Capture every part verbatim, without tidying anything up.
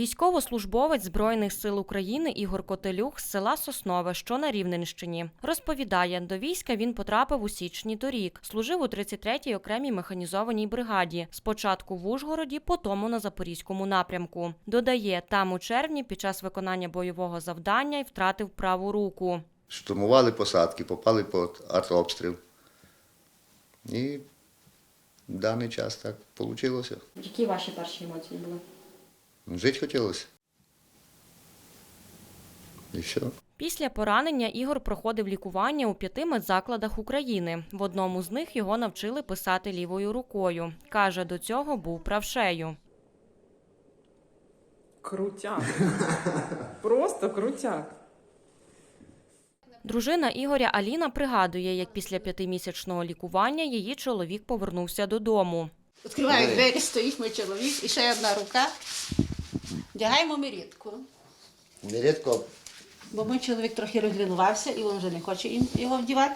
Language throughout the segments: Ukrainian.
Військовослужбовець Збройних сил України Ігор Котелюх з села Соснове, що на Рівненщині. Розповідає, до війська він потрапив у січні торік. Служив у тридцять третій окремій механізованій бригаді. Спочатку в Ужгороді, потім на Запорізькому напрямку. Додає, там у червні під час виконання бойового завдання й втратив праву руку. Штурмували посадки, попали під артобстріл. І в даний час так вийшло. Які ваші перші емоції були? Жити хотілося. І все. Після поранення Ігор проходив лікування у п'яти медзакладах України. В одному з них його навчили писати лівою рукою. Каже, до цього був правшею. Крутяк. Просто крутяк. Дружина Ігоря Аліна пригадує, як після п'ятимісячного лікування її чоловік повернувся додому. Відкриваю двері, стоїть мій чоловік і ще одна рука. Вдягаємо мірітку. Нерідко. Бо мій чоловік трохи розлінувався і він вже не хоче їм його вдівати.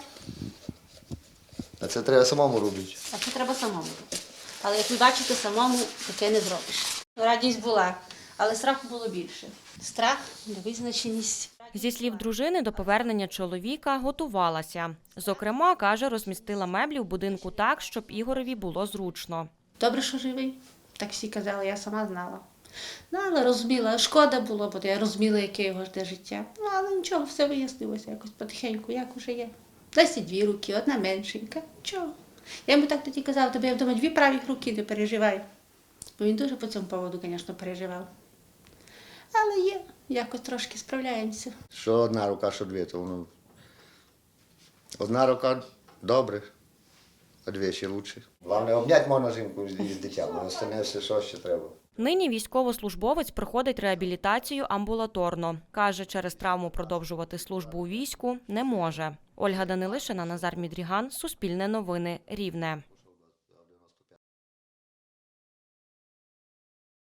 А це треба самому робити. А це треба самому робити. Але як ви бачите, самому таке не зробиш. Радість була, але страху було більше. Страх, невизначеність. Зі слів дружини, до повернення чоловіка готувалася. Зокрема, каже, розмістила меблі в будинку так, щоб Ігорові було зручно. Добре, що живий. Так всі казали, я сама знала. Ну, але розуміла, шкода було, бо я розуміла, яке його жде життя. Ну, але нічого, все вияснилося якось потихеньку, як уже є. Десь і дві руки, одна меншенька. Чого? Я йому так тоді казала, тобі я вдома дві праві руки, не переживай. Бо він дуже по цьому поводу, звісно, переживав. Але є, якось трошки справляємося. Що одна рука, що дві, то воно... Одна рука добре, а дві ще краще. Головне, обняти можна жінку з дитям, а остальне все, що ще треба. Нині військовослужбовець проходить реабілітацію амбулаторно. Каже, через травму продовжувати службу у війську не може. Ольга Данилишина, Назар Мідріган, Суспільне новини, Рівне.